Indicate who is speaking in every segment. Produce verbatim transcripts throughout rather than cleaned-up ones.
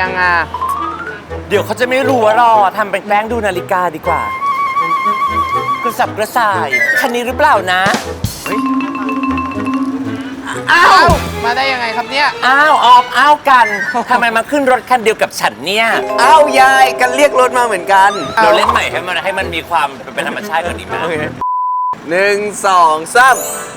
Speaker 1: ยังอ่ะ
Speaker 2: เดี๋ยวเขาจะไม่รู้ว่ารอทำเป็นแกล้งดูนาฬิกาดีกว่ากระสับกระส่ายคันนี้หรือเปล่านะอ้าว
Speaker 1: มาได้ยังไงครับเนี่ย
Speaker 2: อ้าวออฟอ้าวกันทำไมมาขึ้นรถคันเดียวกับฉันเนี่ย
Speaker 3: อ้าวยายกันเรียกรถมาเหมือนกัน
Speaker 2: เราเล่นใหม่ให้มันให้มันมีความเป็นธรรมชาติกว่านี้มั้ย
Speaker 3: หนึ่งสองสาม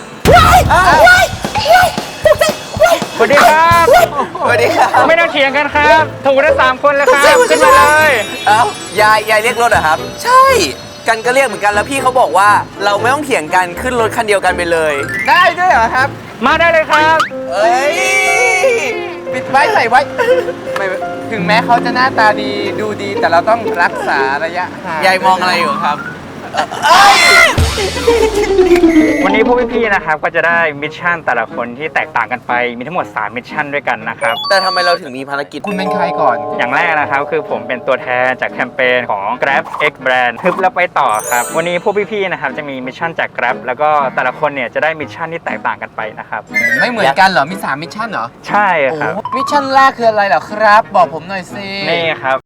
Speaker 4: สวัสดีครับ
Speaker 3: สวัสดีครับ
Speaker 4: ไม่ต้องเถียงกันครับถูกทั้งสามคนแล้วครับขึ้นมาเลย
Speaker 3: เอ้ายายยายเรียกรถเหรอครับใช่กันก็เรียกเหมือนกันแล้วพี่เขาบอกว่าเราไม่ต้องเถียงกันขึ้นรถคันเดียวกันไปเลย
Speaker 1: ได้ด้วยเหรอครับ
Speaker 4: มาได้เลยครับ
Speaker 3: เอ้ย
Speaker 1: ปิดไว้ใส่ไว้ไม่ถึงแม้เขาจะหน้าตาดีดูดีแต่เราต้องรักษาระยะห่าง
Speaker 3: ยายมองอะไรอยู่ครับ
Speaker 4: วันนี้พวกพี่ๆนะครับก็จะได้มิชชั่นแต่ละคนที่แตกต่างกันไปมีทั้งหมดสามมิชชั่นด้วยกันนะครับ
Speaker 3: แต่ทำไมเราถึงมีภารกิจ
Speaker 1: คุณเป็นใครก่อน
Speaker 4: อย่างแรกนะครับคือผมเป็นตัวแทนจากแคมเปญของ Grab X Brand ฮึบแล้วไปต่อครับวันนี้พวกพี่ๆนะครับจะมีมิชชั่นจาก Grab แล้วก็แต่ละคนเนี่ยจะได้มิชชั่นที่แตกต่างกันไปนะครับ
Speaker 1: ไม่เหมือนกันเหรอมีสามมิชชั่นเหรอ
Speaker 4: ใช่ครับ
Speaker 1: มิชชั่นแรกคืออะไรเหรอครับบอกผมหน่อยสิ
Speaker 4: นี่ครับ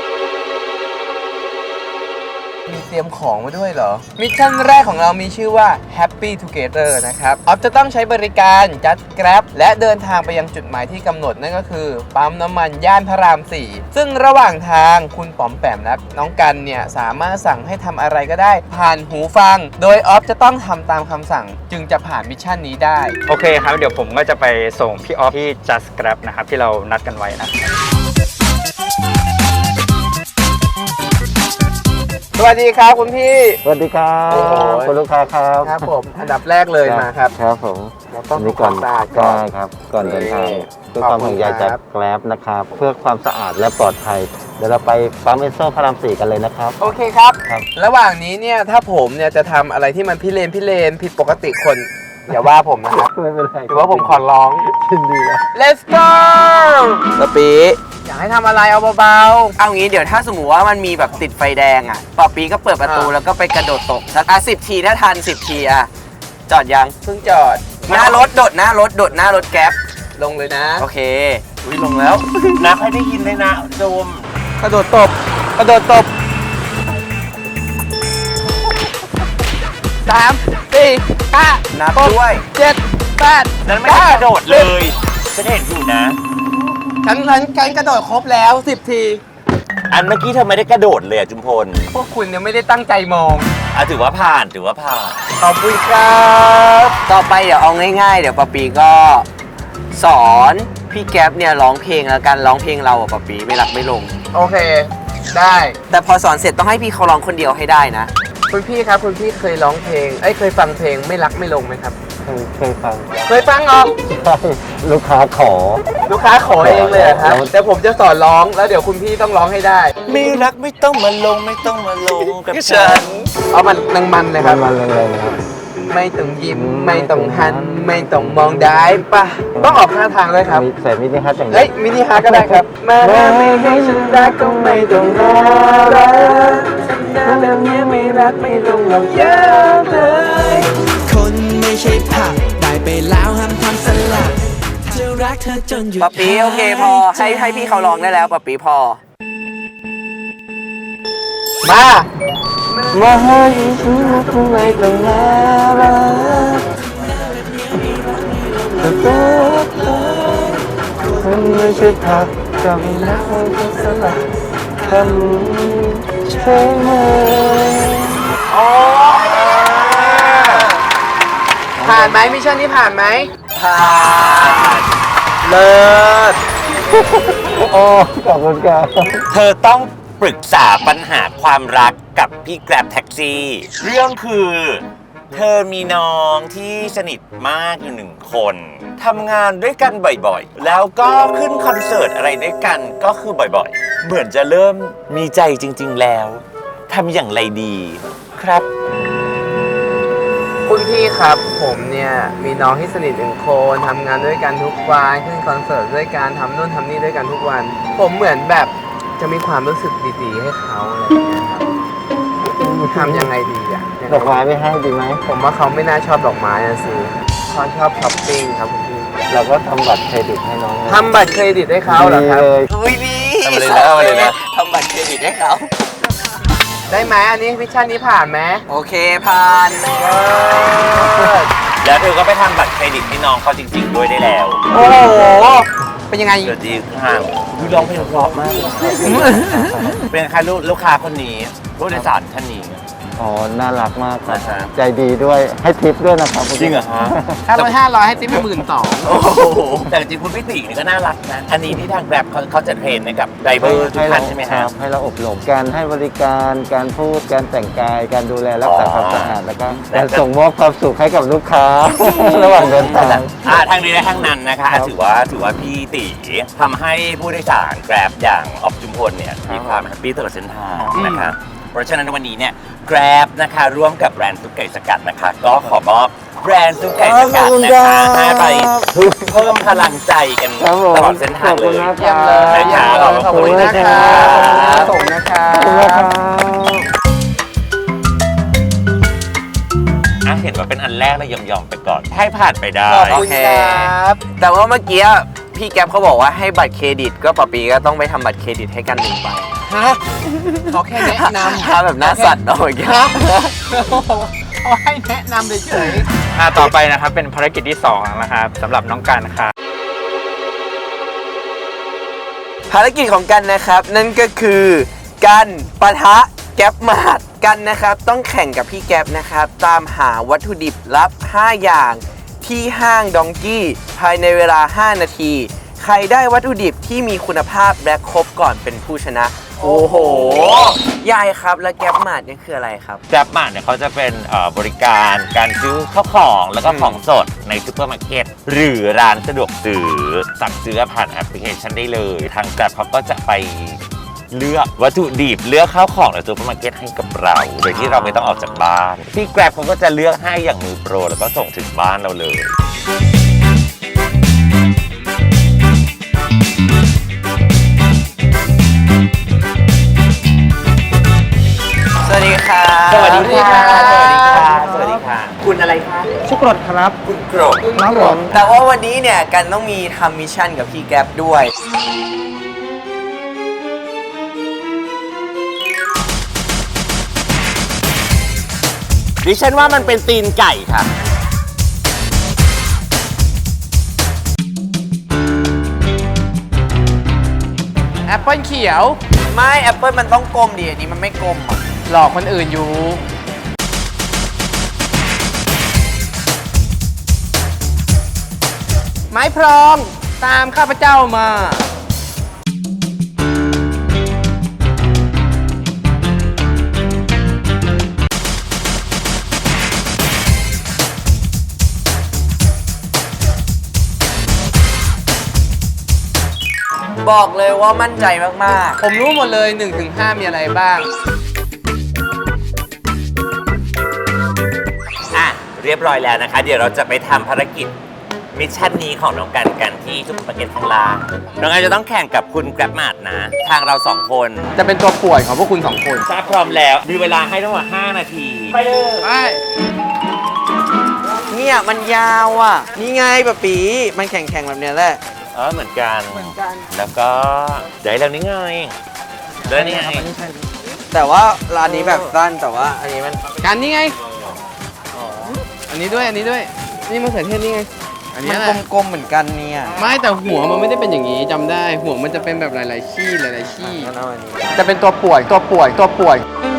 Speaker 1: มีเตรียมของมาด้วยเหรอมิชชั่นแรกของเรามีชื่อว่า Happy Together นะครับออฟจะต้องใช้บริการ Just Grab และเดินทางไปยังจุดหมายที่กำหนดนั่นก็คือปั๊มน้ำมันย่านพระรามสี่ซึ่งระหว่างทางคุณป๋อมแปมและน้องกันเนี่ยสามารถสั่งให้ทำอะไรก็ได้ผ่านหูฟังโดยออฟจะต้องทำตามคำสั่งจึงจะผ่านมิชชั่นนี้ได้
Speaker 4: โอเคครับเดี๋ยวผมก็จะไปส่งพี่ออฟที่ Just Grab นะครับที่เรานัดกันไว้นะ
Speaker 1: สวัสดีครับคุณพี่
Speaker 5: สวัสดีครับคุณลูกค้าครับ
Speaker 1: ครับผมอันดับแรกเลยมาครับ
Speaker 5: ครับผม
Speaker 1: เราต้องทำความสะอาดก่อน
Speaker 5: ครับก่อนเดินทางด้วยความห่วงใยจากแกร็บนะครับเพื่อความสะอาดและปลอดภัยเดี๋ยวเราไปปั๊มเอสโซพระรามสี่กันเลยนะครับ
Speaker 1: โอเคครับระหว่างนี้เนี่ยถ้าผมเนี่ยจะทำอะไรที่มันพิเรนพิเรนผิดปกติคนอย่าว่าผมนะครับ
Speaker 5: ไม่เป็นไร
Speaker 1: ถือว่าผมขอร้อง
Speaker 5: ยินดีครับ
Speaker 1: Let's go
Speaker 3: สปี
Speaker 1: อยากให้ทำอะไรเอาเบา
Speaker 3: ๆเอางี้เดี๋ยวถ้าสมมติว่ามันมีแบบติดไฟแดงอ่ะปอปีก็เปิดประตูแล้วก็ไปกระโดดตกสักอ่ะสิบทีถ้าทันสิบทีอ่ะจอดยัง
Speaker 1: เพิ่งจอด
Speaker 3: หน้ารถโดดหน้ารถโดดหน้ารถแก๊ป
Speaker 1: ลงเลยนะ
Speaker 3: โอเคอุ้ยลงแล้ว
Speaker 2: นับให้ได้ยินเลยนะโดม
Speaker 1: กระโดดตบกระโดดตบสามสี่ห้า
Speaker 3: นับด้วย
Speaker 1: เจ็ดแปด
Speaker 2: นั้นไม่ได้กระโดดเลยฉันเห็นอยู่นะ
Speaker 1: ฉันฉันฉันกระโดดครบแล้วสิบที
Speaker 2: อันเมื่อกี้เธอไม่ได้กระโดดเลยจุมพล
Speaker 1: พวกคุณยังไม่ได้ตั้งใจมอง
Speaker 2: อ่ะถือว่าผ่านถือว่าผ่าน
Speaker 3: ขอบคุณครับต่อไปเดี๋ยวเอาง่ายๆเดี๋ยวปอปีก็สอนพี่แก๊ปเนี่ยร้องเพลงแล้วกันร้องเพลงเราอ่ะปอปีไม่รักไม่ลง
Speaker 1: โอเคได้
Speaker 3: แต่พอสอนเสร็จต้องให้พี่เขาร้องคนเดียวให้ได้นะ
Speaker 1: คุณพี่ครับคุณพี่เคยร้องเพลงเอ้ยเคยฟังเพลงไม่รักไม่ลงไหมครับ
Speaker 5: เคยฟัง
Speaker 1: เคยฟังออก
Speaker 5: ใช่ลูกค้าขอ
Speaker 1: ลูกค้าขอเองเลยครับแต่ผมจะสอนร้องแล้วเดี๋ยวคุณพี่ต้องร้องให้ได้
Speaker 2: ไม่รักไม่ต้องมาลงไม่ต้องมาลงกับฉัน
Speaker 1: เอามันนังมันเลยครับ
Speaker 5: มันเลยนะครับ
Speaker 1: ไม่ต้องยิ้มไม่ต้องหันไม่ต้องมองได้ปะต้องออกท่าทางเลยครับ
Speaker 5: ใส่มินิฮาร์ดอย่าง
Speaker 1: เฮ้ยมินิฮาร์ดก็ได้ครับมาไม่ให้ฉันรักก็ไม่ต้องรอรักฉันน่าเรื่องนี้ไม่รักไม่ลงหรอกเยอะเลย
Speaker 6: คนไม่ใช่ผักได้ไปแล้วห้ามทำสลัดจะรักเธอจนหยุด
Speaker 3: ปะปีโอเคพอให้ให้พี่เขาร้องได้แล้วปะปีพอ
Speaker 1: มา
Speaker 5: มาให้ฉันรักไม่ต้องรอรักแต่ตัวคนไม่ใช่ผักจะไม่รักไม่ต้องสลัดทำใช่ไหม
Speaker 1: โอ้ผ่านไหมมิชชั่นนี้ผ่านไหม
Speaker 3: ผ่าน
Speaker 1: เลิศ
Speaker 5: โอ้ขอบคุณครับ
Speaker 2: เธอต้องปรึกษาปัญหาความรักกับพี่แกร็บแท็กซี่เรื่องคือเธอมีน้องที่สนิทมากอยู่หนึ่งคนทำงานด้วยกันบ่อยๆแล้วก็ขึ้นคอนเสิร์ตอะไรด้วยกันก็คือบ่อยๆเหมือนจะเริ่มมีใจจริงๆแล้วทำอย่างไรดีครับ
Speaker 1: คุณพี่ครับผมเนี่ยมีน้องที่สนิทหนึ่งคนทำงานด้วยกันทุกวันขึ้นคอนเสิร์ตด้วยกันทำนู่นทำนี่ด้วยกันทุกวันผมเหมือนแบบจะมีความรู้สึกดีๆให้เขาอะไรอย่างเงี้ยครับทำยังไงดีอ่ะ
Speaker 5: ดอกไม้ไม่ให้ดีไหม
Speaker 1: ผมว่าเขาไม่น่าชอบดอกไม้นะสิเขาชอบช้อปปิ้งครับคุณพี่
Speaker 5: เราก็ทำบัตรเครดิตให้น้อง
Speaker 1: ทำบัตรเครดิตให้เขาเหรอครับ
Speaker 3: อุ้ยดี
Speaker 2: ทำมาเลยนะทำมาเลยนะ
Speaker 3: ทำบัตรเครดิตให้เขา
Speaker 1: ได้ไหมอันนี้มิชชั่นนี้ผ่านไหม
Speaker 3: โอเคผ่าน
Speaker 2: แล้วเธอก็ไปทำบัตรเครดิตให้น้องเขาจริง ๆ ด้วยได้แล้ว
Speaker 1: โอ้โห เป็นยังไง
Speaker 2: เดี๋ยวดีข้างดูร้องเพลงเพราะมากเลยเป็นใครลูกลูกค้าคนนี้ผู้โดยสารท่านนี้
Speaker 5: อ๋อ น่ารักมากครับ
Speaker 2: นะครับ
Speaker 5: ใจดีด้วย ให้ทิปด้วยนะครับ
Speaker 2: จริงเหรอฮะ
Speaker 1: ถ้าร้อยห้าร้อยให้ติ๊บไปหมื่นสอง
Speaker 2: โอ้โหแต่จริงๆคุณพี่ตินี่ก็น่ารักนะ อันนี้ที่ทางแกร็บเขาเขาจะเทรนให้กับไดรเวอร์ทุก
Speaker 5: ให้
Speaker 2: ท่า
Speaker 5: เรา
Speaker 2: นใช่ไหม
Speaker 5: ค
Speaker 2: ค
Speaker 5: รั
Speaker 2: รั
Speaker 5: บบ ให้เราอบรม การให้บริการ การพูด การแต่งกาย การดูแลรักษาความสะอาด แล้วก็การส่งมอบความสุขให้กับลูกค้า ระหว่างเดินทาง
Speaker 2: อ่าทางนี้และทางนั้นนะคะอ่ะถือว่าถือว่าพี่ติทำให้ผู้โดยสารแกร็บอย่างออฟจุมพลเนี่ยมีความแฮปปี้ตลอดเส้นทางนะคะเพราะฉะนั้นวันนี้เนี่ยแกร็บนะคะร่วมกับแบรนด์ซุปไก่สกัดนะคะ ก็ขอมอบแบรนด์ซุปไก่สกัดนะคะให้ไปเพิ่มพลังใจกัน
Speaker 5: ครับผม
Speaker 2: ตลอดเส้นทางเลย
Speaker 5: ขอบคุณ
Speaker 1: เยี่ยมเลย
Speaker 2: นะ
Speaker 1: เยี่ย
Speaker 2: คะ
Speaker 1: มเลยขอบคุณนะคะส่งนะคะ
Speaker 5: ขอบคุณครับ
Speaker 2: อ่ะเห็นว่าเป็นอันแรกเลยยอมๆไปก่อน ให้ผ่านไปได้
Speaker 1: ขอบ
Speaker 3: โอ
Speaker 1: คุณ
Speaker 3: เค
Speaker 1: ครับ
Speaker 3: แต่ว่าเมื่อกี้พี่แก๊ปเขาบอกว่าให้บัตรเครดิต ก็ปะปีก็ต้องไปทำบัตรเครดิตให้กันหนึ่งใบ
Speaker 1: ฮะเขาแค่แนะนำ
Speaker 3: ถ้าแบบหน้าสั่นเนาะเมื่อกี้
Speaker 1: ครับเขาให้แนะนำเฉย
Speaker 4: อ่าต่อไปนะครับเป็นภารกิจที่สองนะครับสำหรับน้องกันครับ
Speaker 3: ภารกิจของกันนะครับ นั่นก็คือกันปะทะแก๊ปมาดกันนะครับ ต้องแข่งกับพี่แก๊ปนะครับ ตามหาวัตถุดิบลับ ห้า อย่างที่ห้างดองกี้ภายในเวลา ห้า นาที ใครได้วัตถุดิบที่มีคุณภาพและครบก่อนเป็นผู้ชนะ โอ้โห ยายครับ แล้วแก๊ปมาดนี่คืออะไรครับ
Speaker 2: แกร็บมาเนี่ยเขาจะเป็นเอ่อบริการการซื้อข้าวของแล้วก็ของสดในซูเปอร์มาร์เก็ตหรือร้านสะดวกซื้อสั่งซื้อผ่านแอปพลิเคชันได้เลย ทางแกร็บเขาก็จะไปเลือกวัตถุดิบเลือกข้าวของในซูเปอร์มาร์เก็ตให้กับเรา โดยที่เราไม่ต้องออกจากบ้านพี่แกร็บเขาก็จะเลือกให้อย่างมือโปรแล้วก็ส่งถึงบ้านเราเลย
Speaker 3: สวัสดีค่ะ
Speaker 2: สวัสดีค่ะ สวัสดีค่ะ สวัสดีค่ะ คุณอะไรคะ
Speaker 5: ชุกรดครับ
Speaker 2: คุณโกรธ
Speaker 5: น้องผม
Speaker 3: แต่ว่าวันนี้เนี่ยกันต้องมีทำมิชชั่นกับพี่แก๊ปด้วย
Speaker 2: ดิฉันว่ามันเป็นตีนไก่ค่ะ
Speaker 1: ๆแอปเปิลเขียว
Speaker 3: ไม่แอปเปิลมันต้องกลมดิอันนี้มันไม่กลมอ่ะ
Speaker 1: หลอกคนอื่นอยู่ ไม้พรองตามข้าพเจ้ามา
Speaker 3: บอกเลยว่ามั่นใจมาก
Speaker 1: ผมรู้หมดเลยหนึ่งถึงห้ามีอะไรบ้าง
Speaker 2: อ่ะ เรียบร้อยแล้วนะคะ เดี๋ยวเราจะไปทำภารกิจมิชชั่นนี้ของน้องกันกันที่ซุปเปอร์มาร์เก็ตข้างล่างน้องกันจะต้องแข่งกับคุณแกร็บมาดนะ ทางเราสองคน
Speaker 1: จะเป็นตัวป่วยของพวกคุณสองคน
Speaker 2: ถ้าพร้อมแล้ว มีเวลาให้ทั้งหมดห้านาที ไปเลย
Speaker 1: ไป
Speaker 3: ๆ เนี่ยมันยาวอ่ะ นี่ไงปะปีมันแข่งๆแบบเนี้ยแหละ
Speaker 2: เออเหมือนกัน เหมือนกัน แล้วก็ได้แล้วนี่ไงได้นี่ไง
Speaker 3: แต่ว่าร้านนี้แบบสั้นแต่ว่าอันนี้มัน
Speaker 1: การนี่ไง อันนี้ด้วย อันนี้ด้วย นี่มะเขือเทศนี่ไง อัน
Speaker 3: มั
Speaker 1: นี้
Speaker 3: น
Speaker 1: แหละ
Speaker 3: กลมๆเหมือนกันเนี่ย
Speaker 1: ไม่แต่หัวมันไม่ได้เป็นอย่างนี้จำได้ หัวมันจะเป็นแบบหลาย ๆ ขี้หลาย ๆ ขี้
Speaker 3: งั้นเอาอันนี้
Speaker 1: จะเป็นตัวป่วย ตัวป่วย ตัวป่วย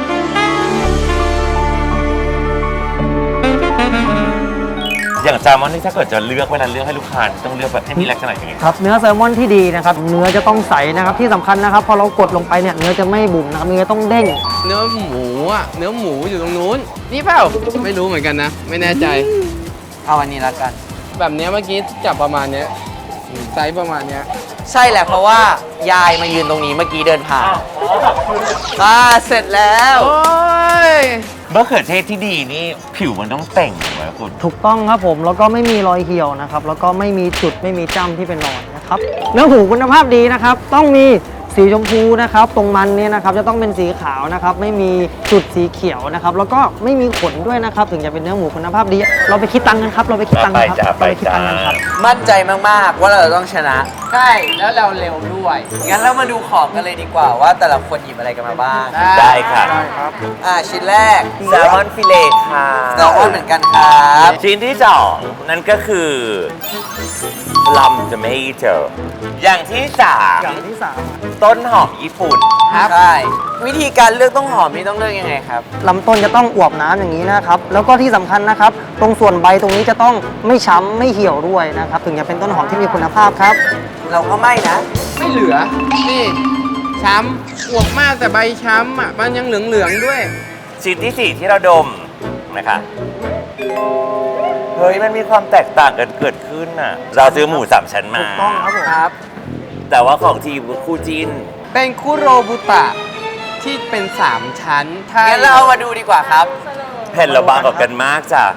Speaker 2: อย่างแซลมอนนี่ถ้าเกิดจะเลือกเวลาเลือกให้ลูกค้าต้องเลือกแบบให้มีลักษณะยังไง
Speaker 7: ครับเนื้อแซลมอนที่ดีนะครับเนื้อจะต้องใสนะครับที่สำคัญนะครับพอเรากดลงไปเนี่ยเนื้อจะไม่บุ๋มนะครับเนื้อต้องเด้ง
Speaker 1: เนื้อหมูอ่ะ เนื้อหมูอยู่ตรงนู้น นี่เปล่า ไม่รู้เหมือนกันนะ ไม่แน่ใจ
Speaker 3: เอาอันนี้ละกัน
Speaker 1: แบบเนี้ยเมื่อกี้จับประมาณเนี้ยไซส์ประมาณเนี้ย
Speaker 3: ใช่แหละเพราะว่ายายมายืนตรงนี้เมื่อกี้เดินผ่านอ่าเสร็จแล้ว
Speaker 1: โอ้ย
Speaker 2: มะเขือเทศที่ดีนี่ผิวมันต้องเต่งถูกไหมคุณ
Speaker 7: ถูกต้องครับผมแล้วก็ไม่มีรอยเหี่ยวนะครับแล้วก็ไม่มีจุดไม่มีจ้ำที่เป็นรอยนะครับเนื้อหมูคุณภาพดีนะครับต้องมีสีชมพูนะครับตรงมันเนี่ยนะครับจะต้องเป็นสีขาวนะครับไม่มีจุดสีเขียวนะครับแล้วก็ไม่มีขนด้วยนะครับถึงจะเป็นเนื้อหมูคุณภาพดีเราไปคิดตังค์กันครับเราไปคิดตังค์กันครับ
Speaker 2: ไป
Speaker 7: เรา
Speaker 2: จ้า
Speaker 7: ไปคิดตังค์กันครับ
Speaker 3: มั่นใจมากๆว่าเราจะต้องชนะ
Speaker 1: ใช่แล้วเราเร็วด้วย
Speaker 3: งั้นเรามาดูของกันเลยดีกว่าว่าแต่ละคนหยิบอะไรกันมาบ้าง
Speaker 2: ได้ค่ะ
Speaker 3: อ่าชิ้นแรก
Speaker 2: แซลมอนฟิเลตค่ะ
Speaker 3: แซลมอนเหมือนกันครับ
Speaker 2: ชิ้นที่สองนั่นก็คือลัมจะไม่เจออย่างที่สาม
Speaker 7: อย่างที่สาม
Speaker 2: ต้นหอมญี่ปุ่น
Speaker 3: ครับใช่วิธีการเลือกต้นหอมนี่ต้องเลือกยังไงครับ
Speaker 7: ลำต้นจะต้องอวบน้ำอย่างนี้นะครับแล้วก็ที่สำคัญนะครับตรงส่วนใบตรงนี้จะต้องไม่ช้ำไม่เหี่ยวด้วยนะครับถึงจะเป็นต้นหอมที่มีคุณภาพครับ
Speaker 3: เราก็ไม่นะ
Speaker 1: ไม่เหลือ นี่ ช้ำอวบมากแต่ใบช้ำอ่ะ มันยังเหลือง ๆ ด้วย
Speaker 2: ชิ้นที่สี่ที่เราดมนะคะเฮ้ยมันมีความแตกต่างกันเกิดขึ้นน่ะ เราซื้อหมูสามชั้นมา
Speaker 7: ถูกต้องครับผม
Speaker 1: ครับ
Speaker 2: แต่ว่าของทีมคู่จิน
Speaker 1: เป็นคุโรบุตะที่เป็น 3 ชั้นถ้า
Speaker 3: งั้นเราเอามาดูดีกว่าครับ
Speaker 2: แผ่นเราบางกว่ากันมากจ้ะ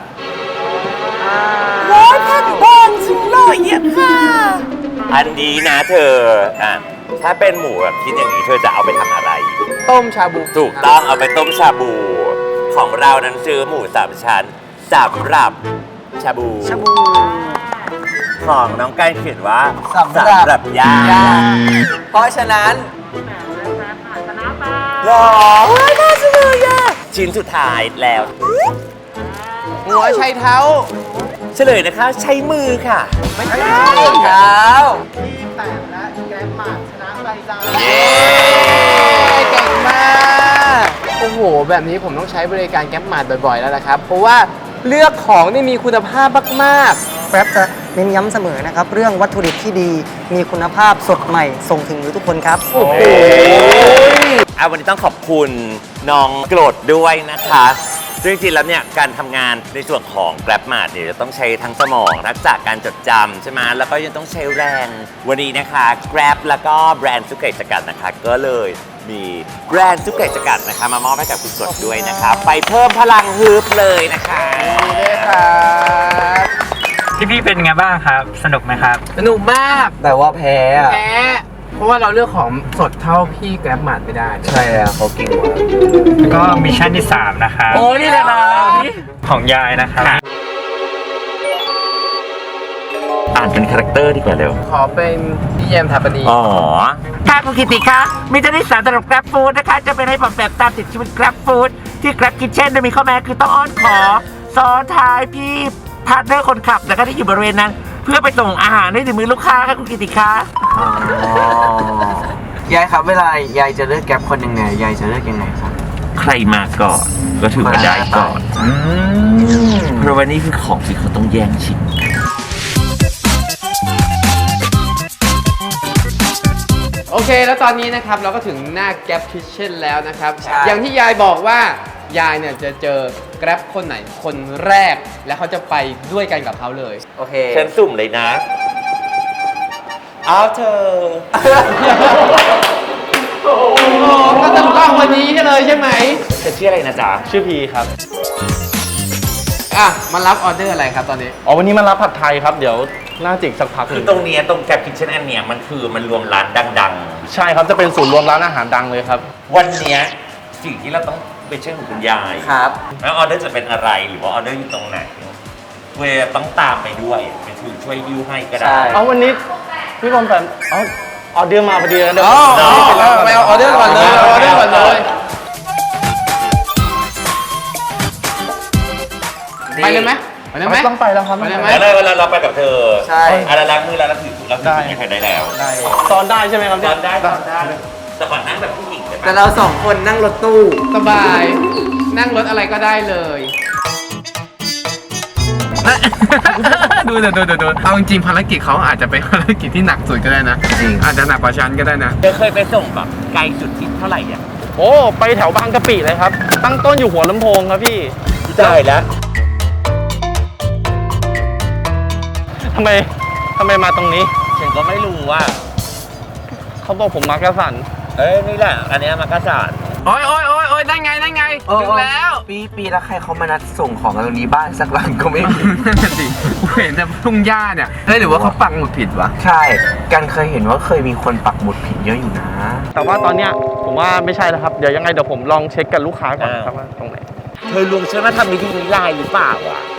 Speaker 3: ร้อยแผ่นบางสุดเลยเยี่ยมค่ะ
Speaker 2: อันนี้นะเธออ่ะถ้าเป็นหมูแบบคิดอย่างนี้เธอจะเอาไปทำอะไร
Speaker 1: ต้มชาบู
Speaker 2: ถูกต้องเอาไปต้มชาบู ของเรานั้นซื้อหมูสามชั้นสำหรับชาบู
Speaker 7: ชาบู
Speaker 2: ของน้องการเขียนว่า
Speaker 3: สำหรับ
Speaker 2: หรับย่าง
Speaker 3: เพราะฉะนั้น
Speaker 2: หรอน่าจะเลยอ่ะชิ้นสุดท้ายแล้ว
Speaker 1: หัวไชเท้า
Speaker 2: เฉลยนะคะ ใช้มือค่ะ
Speaker 1: ไม่ใช่
Speaker 3: เท้า
Speaker 2: เย้
Speaker 1: เก่งมาก โอ้โห แบบนี้ผมต้องใช้บริการแก๊ปมาร์ทบ่อย ๆ แล้วนะครับ เพราะว่าเลือกของที่มีคุณภาพมาก
Speaker 7: แกร็บจะเน้นย้ำเสมอนะครับเรื่องวัตถุดิบที่ดีมีคุณภาพสดใหม่ส่งถึงมือทุกคนครับ
Speaker 1: ๆ โอ้โห
Speaker 2: เอาวันนี้ต้องขอบคุณน้องโกรธด้วยนะคะซึ่งจริงๆแล้วเนี่ยการทำงานในส่วนของ Grab Mart เนี่ยจะต้องใช้ทั้งสมองทักษะการจดจำใช่ไหมแล้วก็ยังต้องใช้แรง วันนี้นะคะ Grab แล้วก็แบรนด์ซุกเกะสกัดนะคะ ก็เลยมีแบรนด์ซุกเกะสกัดนะคะมามอบให้กับคุณกดด้วยนะคะ ไปเพิ่มพลังฮึบเลยนะคะ
Speaker 1: ครับ
Speaker 4: พี่ๆเป็นไงบ้างครับ สนุกไหมครับ
Speaker 1: สนุกมาก
Speaker 3: แต่ว่าแพ้อะ
Speaker 1: แพ้เพราะว่าเราเลือกของสดเท่าพี่แกร็บมาร์ทไม่ได้
Speaker 3: ใช่แล้วเขาเก่งกว่า
Speaker 4: แล้วก็มิชชั่นที่สามนะครับ
Speaker 1: โอ้นี่เลยนะ
Speaker 4: ของยายนะครับ
Speaker 2: อ่านเป็นคาแรคเตอร์ดีกว่าเร็ว
Speaker 1: ขอเป็นพี่แยมทาปนี
Speaker 2: อ๋อ
Speaker 8: ค่ะคุณกิติคะมีเจ้าหน้าที่สารสำหรับ Grab Food นะคะ จะเป็นให้ผมแบบตามติดชีวิต Grab Food ที่ Grab Kitchen จะมีข้อแม้คือต้องอ้อนขอ ซ้อนท้ายพี่พาร์ทเนอร์คนขับนะคะที่อยู่บริเวณนั้น เพื่อไปส่งอาหารให้ถึงมือลูกค้าค่ะคุณกิติคะ
Speaker 3: ยายครับเวลายายจะเลือกแก๊ปคนยังไงยายจะเลือกยังไงครับ
Speaker 2: ใครมาก่อนก็ถือว่าได้ก่อนเพราะว่านี่คือของที่เขาต้องแย่งชิง
Speaker 1: โอเค แล้วตอนนี้นะครับเราก็ถึงหน้า Grab Kitchen แล้วนะครับ
Speaker 3: ใช่
Speaker 1: อย่างที่ยายบอกว่ายายเนี่ยจะเจอ Grab คนไหนคนแรก และเขาจะไปด้วยกันกับเขาเลย
Speaker 3: โอเค
Speaker 2: ฉันสุ่มเลยนะ เอาเธอ
Speaker 1: โอ้ก็จะต้องวันนี้เลยใช่ไหม
Speaker 2: เธอชื่ออะไรนะจ๊ะ
Speaker 5: ชื่อพีครับ
Speaker 1: อ่ะมารับออเดอร์อะไรครับตอนนี้
Speaker 5: อ๋อวันนี้มารับผัดไทยครับ เดี๋ยวน่าจิกสักพักห
Speaker 2: คื
Speaker 5: นึ่
Speaker 2: อง ตรงเนี้ยตรงแกร็บคิทเช่นอันเนี้ยมันคือมันรวมร้านดัง
Speaker 5: ใช่ครับจะเป็นศูนย์รวมร้านอาหารดังเลยครับ
Speaker 2: ๆ วันเนี้ยสิ่งที่เราต้องไปเชื่อของคุณยาย
Speaker 3: ครับ
Speaker 2: แล้วออเดอร์จะเป็นอะไรหรือว่าออเดอร์อยู่ตรงไหนเวลาต้องตามไปด้วยไปถือช่วยยิ้วให้ก็ได้
Speaker 3: ใช่
Speaker 5: เอาวันนี้พี่บอมแฟนเอาออเดอร์มาพอดีแล้วเดี๋ยว
Speaker 1: อ๋อ
Speaker 5: ผม
Speaker 1: เอาเอาไปเอาออเดอร์ก่อนเลยเอาออเดอร์ก่อนเลย ไปเลยไหมไปเลยไหม
Speaker 5: ต้องไปแล้วครับ
Speaker 1: ไปเลยไหม
Speaker 2: แล้วเลยเวลาเราไปกับเธอ
Speaker 3: ใช่
Speaker 2: อะไรล้างมือแล้วเราถือเราถือไม่เคยได้แล้ว
Speaker 5: ได้ตอนได้ใช่ไหมครับ
Speaker 2: ตอนได้ตอนได้แต่ก่อนนั่งแบบผู้หญิงใช่ไหม
Speaker 3: แต่เราสองคนนั่งรถตู้
Speaker 1: สบาย นั่งรถอะไรก็ได้เลย ดูดูดูดูเอาจริงๆภารกิจเขาอาจจะเป็นภารกิจที่หนักสุดก็ได้นะ
Speaker 3: จริง
Speaker 1: อาจจะหนักกว่าฉันก็ได้นะ
Speaker 2: เธอเคยไปส่งแบบไกลสุดที่เท่าไหร่อ่ะ
Speaker 5: โอ้ไปแถวบางกะปิเลยครับ ตั้งต้นอยู่หัวลำโพงครับพี่
Speaker 2: ได้แล้ว
Speaker 5: ทำไมทำไมมาตรงนี้
Speaker 2: ฉันก็ไม่รู้ว่า
Speaker 5: เขาบอกผมมากระสัน
Speaker 2: เอ้ยนี่แหละ อันเนี้ยมักกะสัน
Speaker 1: โอ้ยโอ้ยโอ้ยโอ้ยยได้ไงได้ไงถึงแล้ว
Speaker 3: ปีปีแล้วใครเขามานัดส่งของกันตรงนี้บ้านสักหลังก็ไม่มี
Speaker 1: นั่นสิกูเห็นแต่ทุ่งหญ้าเนี่ยเฮ้ยหรือว่าเขาปักหมุดผิดวะ
Speaker 3: ใช่กันเคยเห็นว่าเคยมีคนปักหมุดผิดเยอะอยู่นะ
Speaker 5: แต่ว่าตอนเนี้ยผมว่าไม่ใช่แล้วครับ เดี๋ยวยังไงเดี๋ยวผมลองเช็คกับลูกค้าก่อนครับว่าตรงไหน
Speaker 2: เธอลวงฉันมาทำมิธีนี้ลายหรือเปล่าวะ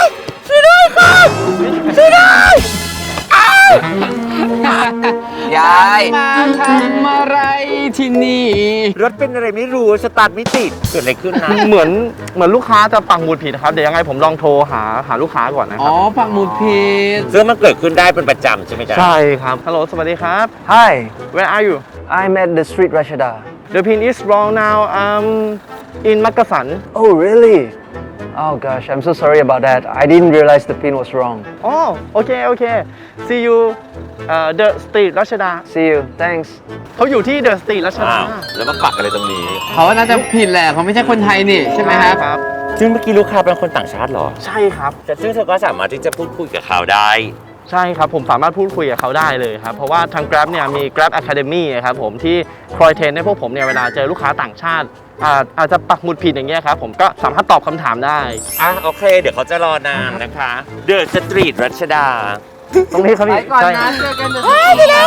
Speaker 3: ยาย
Speaker 1: มาทำอะไรที่นี่
Speaker 2: รถเป็นอะไรไม่รู้สตาร์ทไม่ติดเกิดอะไรขึ้นนะ
Speaker 5: เหมือนเหมือนลูกค้าจะปักหมุดผิดนะครับ เดี๋ยวยังไงผมลองโทรหาหาลูกค้าก่อนนะค
Speaker 1: อ๋
Speaker 5: รั
Speaker 1: อบ ปักหมุดผิด
Speaker 2: ซึ่งมันเกิดขึ้นได้เป็นประจำใช่ไหมจ๊ะ
Speaker 5: ใช่ครับ ฮัลโหล สวัสดีครับ
Speaker 9: Hi,
Speaker 5: Where are you
Speaker 9: I'm at the street Rashada.
Speaker 5: The pin is wrong now um in Makasan
Speaker 9: Oh, really? Oh gosh, I'm so sorry about that. I didn't realize the pin was wrong.
Speaker 5: Oh okay okay see you uh, the street รัชดา
Speaker 9: See you. Thanks.
Speaker 5: เขาอยู่ที่ The Street รัชดา
Speaker 2: อ้าวแล้วมาปักอะไรตรงนี้
Speaker 1: เขาน่าจะผิดแหละเขาไม่ใช่คนไทยนี่ใช่ไหมครับ
Speaker 5: ครับ
Speaker 2: ซึ่งเมื่อกี้ลูกค้าเป็นคนต่างชาติเหรอ
Speaker 5: ใช่ครับ
Speaker 2: แต่ซึ่งเธอก็สามารถที่จะพูดคุยกับเขาได้
Speaker 5: ใช่ครับ ผมสามารถพูดคุยกับเขาได้เลยครับ เพราะว่าทาง Grab เนี่ยมี Grab Academy ครับผมที่คอยเทรนให้พวกผมเนี่ยเวลาเจอลูกค้าต่างชาติอาอาจจะปักหมุดผิดอย่างเงี้ยครับผมก็สามารถตอบคำถามได้
Speaker 2: อ่ะโอเค เดี๋ยวเขาจะรอนานนะคะเดอะสตรีทรัชดา
Speaker 5: ตรงนี้ครับ
Speaker 1: ไป
Speaker 5: พี่
Speaker 1: ก่อน
Speaker 5: ใช่
Speaker 1: นะเจอกันเดี๋ยวไปแล้ว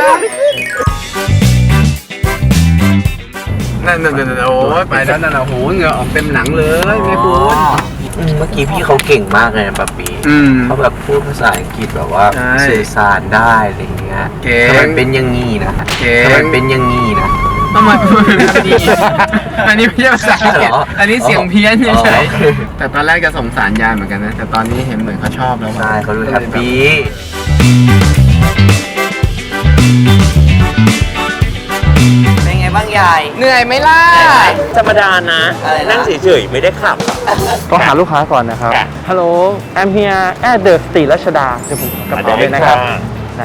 Speaker 1: นั่นนั่นนั่นโอ้ยไปแล้วนั่นโอ้โหเหงื่อออกเต็มหลังเลยแม่คุณ
Speaker 3: อืมเมื่อกี้พี่เขาเก่งมากเลยนะป๊าปี
Speaker 1: อืม
Speaker 3: เขาแบบพูดภาษาอังกฤษแบบว่า
Speaker 1: ใช่
Speaker 3: สื่อสารได้อะไรอย่างเงี้ย
Speaker 1: เก่ง
Speaker 3: ทำไมเป็นอย่างงี้นะ
Speaker 1: เก่ง
Speaker 3: ทำไมเป็นอย่างงี้นะ
Speaker 1: ทำไมพูดแบบนี้อันนี้ไม่ใช่ภาษาอังกฤษ
Speaker 3: เหรอ
Speaker 1: อันนี้เสียงเพี้ยนเฉย
Speaker 3: อ๋อ
Speaker 1: ๆแต่ตอนแรกจะสงสารยายเหมือนกันนะ แต่ตอนนี้เห็นเหมือนเขาชอบแล้ว
Speaker 3: ใช่เขาดูแฮปปี้เป็นไงบ้างยาย
Speaker 1: เหนื่อยไหมล่ะ
Speaker 2: ธรรมดานะ
Speaker 3: อะไรนะ
Speaker 2: นั่งเฉยๆ ไม่ได้ขับ
Speaker 5: ก็หาลูกค้าก่อนนะครับ
Speaker 2: ค่ะ
Speaker 5: Hello I'm here at the Street รัชดาเดี๋ยวผมกระเป๋าเลยนะครับได้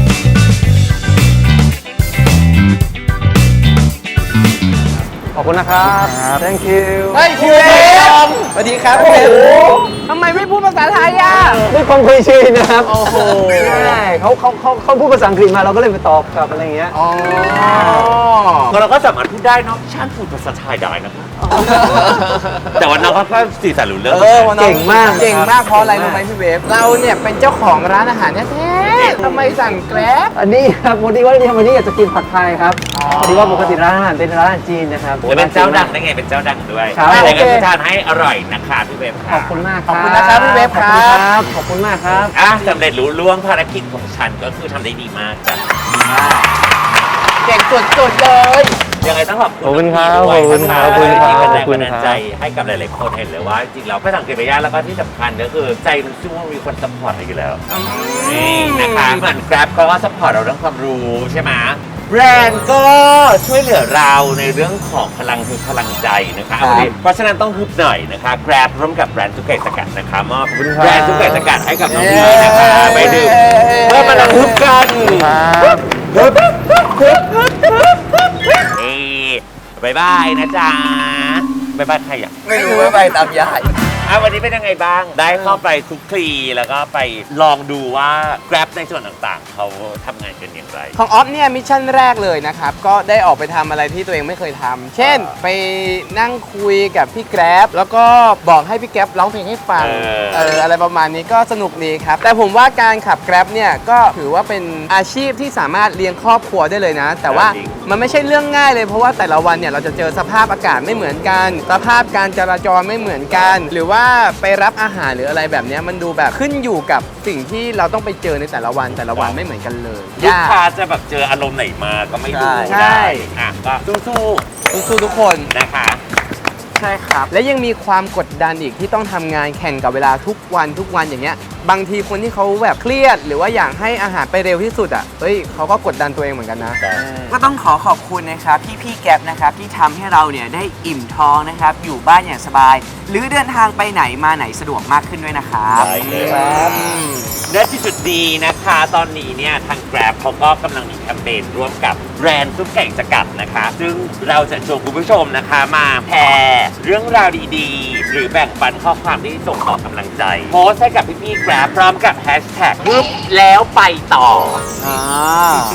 Speaker 5: ขอบคุณนะครับ
Speaker 9: Thank you.
Speaker 1: เฮ้ยคิวเอมสวัสดีครับโอ้โหทำไมไม่พูดภาษาไทยอ่ะ
Speaker 9: ด้วยความเคยชินนะครับ
Speaker 1: โอ้โห
Speaker 9: ใช่เขาเขาเขาเขาพูดภาษาอังกฤษมาเราก็เลยไปตอบกลับอะไรอย่างเงี้ย
Speaker 1: อ๋อ
Speaker 2: เราก็สามารถพูดได้เนอะฉันพูดภาษาไทยได้นะคะแต่ว่าน้องเขาก็สื่อสารรู้เรื่อง
Speaker 1: เออวันนั้น
Speaker 9: เก่งมาก
Speaker 1: เก่งมากเพราะอะไรรู้ไหมพี่เวฟเราเนี่ยเป็นเจ้าของร้านอาหารแท้ๆทำไมสั่งแกร็บ
Speaker 9: อันนี้ครับพอดีว่าที่วันนี้อยากจะกินผัดไทยครับพอดีว่าปกติร้านอาหารเป็นร้านอาหารจีนนะครับ
Speaker 2: และเป็นเจ้าดังได้ไงเป็นเจ้าดังด้วย
Speaker 9: ครับ
Speaker 2: อะไรก็
Speaker 9: โอเค
Speaker 2: จะทานให้อร่อยนะคะพี่เวฟ
Speaker 9: ข
Speaker 2: ค่ะ
Speaker 9: อบคุณมาก
Speaker 1: ขอบคุณนะครับพี่เวฟ
Speaker 9: ขอบ
Speaker 1: ค
Speaker 9: คุณ
Speaker 1: รับ
Speaker 9: ครับ ขอบคุณมากครับ
Speaker 2: อ่ะสำเร็จรู้ล่วงภารกิจของฉันก็คือทำได้ดีมากจ้ะ
Speaker 1: เก่งสุดๆเลย
Speaker 2: ยังไงต้องขอบคุณ
Speaker 5: ขอบคุณครับ
Speaker 2: น้อง
Speaker 5: ขอบคุณครับ
Speaker 2: ที่เป็นแรง
Speaker 5: ขอบ
Speaker 2: บั
Speaker 5: คุ
Speaker 2: น
Speaker 5: ณ
Speaker 2: ดาล
Speaker 5: ครับ
Speaker 2: ใจให้กับหลายๆคนเห็นเลยว่าจริงๆแล้วไม่สังเกตไปยากแล้วก็ที่สำคัญก็คือใจมันสู้ว่ามีคนซัพพอร์ตเราอยู่แล้วนี่นะคะเหมือน Grab ก็ซัพพอร์ตเราเรื่องความรู้ใช่ไหมแบรนด์ก็ช่วยเหลือเราในเรื่องของพลังคือพลังใจนะคะวันนี้เพราะฉะนั้นต้องฮึบหน่อยนะคะ Grab ร่วมกับแบรนด์ทุกไก่สกัดนะคะมอบแบรนด์ทุกไก่สกัดให้กับน้องพีนะคะไปดื่มเพื่อมาลังฮึบกัน
Speaker 5: ครับ
Speaker 2: ฮึบฮึบฮึบฮึบฮึบฮึบเอ้บายบายนะจ๊ะบายบายใครอ่ะ
Speaker 3: ไม่รู้ว่าไปตามยาย
Speaker 2: อ่ะวันนี้เป็นยังไงบ้าง ได้เข้าไปคลุกคลีแล้วก็ไปลองดูว่า Grab ในส่วนต่างๆ เขาทำงานกันอย่างไร
Speaker 1: ของออฟเนี่ยมิชชั่นแรกเลยนะครับ ก็ได้ออกไปทำอะไรที่ตัวเองไม่เคยทำเช่น ไปนั่งคุยกับพี่แกร็บแล้วก็บอกให้พี่แกร็บร้องเพลงให้ฟัง
Speaker 2: เออ
Speaker 1: เอออะไรประมาณนี้ก็สนุกดีครับ แต่ผมว่าการขับแกร็บเนี่ยก็ถือว่าเป็นอาชีพที่สามารถเลี้ยงครอบครัวได้เลยนะ แต่ว่ามันไม่ใช่เรื่องง่ายเลยเพราะว่าแต่ละวันเนี่ยเราจะเจอสภาพอากาศไม่เหมือนกันสภาพการจราจรไม่เหมือนกัน หรือว่าไปรับอาหารหรืออะไรแบบเนี้ยมันดูแบบขึ้นอยู่กับสิ่งที่เราต้องไปเจอในแต่ละวันแต่ละวันไม่เหมือนกันเลย
Speaker 2: ลูก
Speaker 1: ยาก
Speaker 2: ค้าจะแบบเจออารมณ์ไหนมาก็ไม่รู้
Speaker 1: ใช่
Speaker 2: ได้อ่ะก็สู้
Speaker 1: สู้ๆทุกคน
Speaker 2: ๆนะคะ
Speaker 1: ใช่ครับ และยังมีความกดดันอีกที่ต้องทำงานแข่งกับเวลาทุกวันทุกวันอย่างเงี้ยบางทีคนที่เขาแบบเครียด หรือว่าอยากให้อาหารไปเร็วที่สุดอ่ะเฮ้ยเขาก็กดดันตัวเองเหมือนกันนะ
Speaker 3: ก็ต้องขอขอบคุณนะครับพี่พี่ๆแก๊ปนะครับที่ทำให้เราเนี่ยได้อิ่มท้องนะครับอยู่บ้านอย่างสบาย หรือเดินทางไปไหนมาไหนสะดวกมากขึ้นด้วยนะครับ
Speaker 2: ได้เลยครับและที่จุดดีนะคะตอนนี้เนี่ยทาง Grab เขาก็กำลังมีแคมเปญร่วมกับแบรนด์ซุปไก่สกัดนะคะ ซึ่งเราจะชวนคุณผู้ชมนะคะมาแชร์เรื่องราวดีๆ หรือแบ่งปันข้อความที่ส่งต่อกำลังใจ โพสต์ให้กับพี่ๆ Grab พร้อมกับแฮชแท็กฮึบแล้วไปต่อ
Speaker 1: อ่า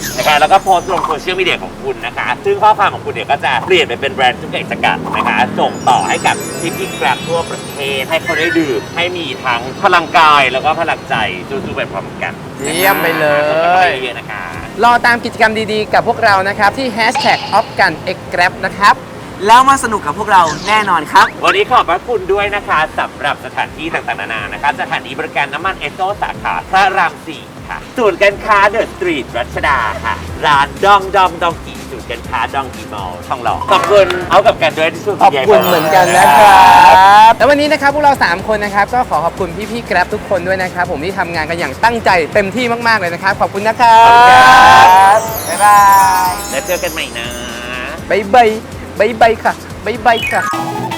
Speaker 2: นะคะแล้วก็โพสต์ลงโซเชียลมีเดียของคุณนะคะซึ่งข้อความของคุณเนี่ยก็จะเปลี่ยนไปเป็นแบรนด์ทุกอย่างสกัดนะคะส่งต่อให้กับพี่พี่แกร็บทั่วประเทศให้เขาได้ดื่มให้มีทั้งพลังกายแล้วก็พลังใจสู้ๆไปพร้อมกัน
Speaker 1: เยี่ยมไปเลย
Speaker 2: เยอะนะคะ
Speaker 1: รอตามกิจกรรมดีๆ กับพวกเรานะครับ ที่ แฮชแท็ก ออฟกัน เอ็กซ์แกร็บ นะครับ
Speaker 3: แล้วมาสนุกกับพวกเราแน่นอนครับ
Speaker 2: วันนี้ขอบพระคุณด้วยนะคะสำหรับสถานที่ต่างๆนานานะคะสถานีบริการน้ำมันเอสโซสาขาพระรามสี่ค่ะศูนย์การค้าเดอะสตรีทรัชดาค่ะ ร้านดองดองดองกีศูนย์การค้าดองกีมอลล์ทองหล่อขอบคุณเอากับกันด้วยที่ช่วย
Speaker 1: ขอบคุณเหมือนกันนะครับแล้ววันนี้นะครับพวกเราสามคนนะครับก็ขอขอบคุณพี่ๆแกร็บทุกคนด้วยนะครับผมที่ทำงานกันอย่างตั้งใจเต็มที่มากๆเลยนะครับขอบคุณนะครับ
Speaker 3: บ๊ายบาย
Speaker 2: แล้วเจอกันใหม่นะ
Speaker 1: บ๊ายบายบ๊ายบายค่ะบ๊ายบายค่ะ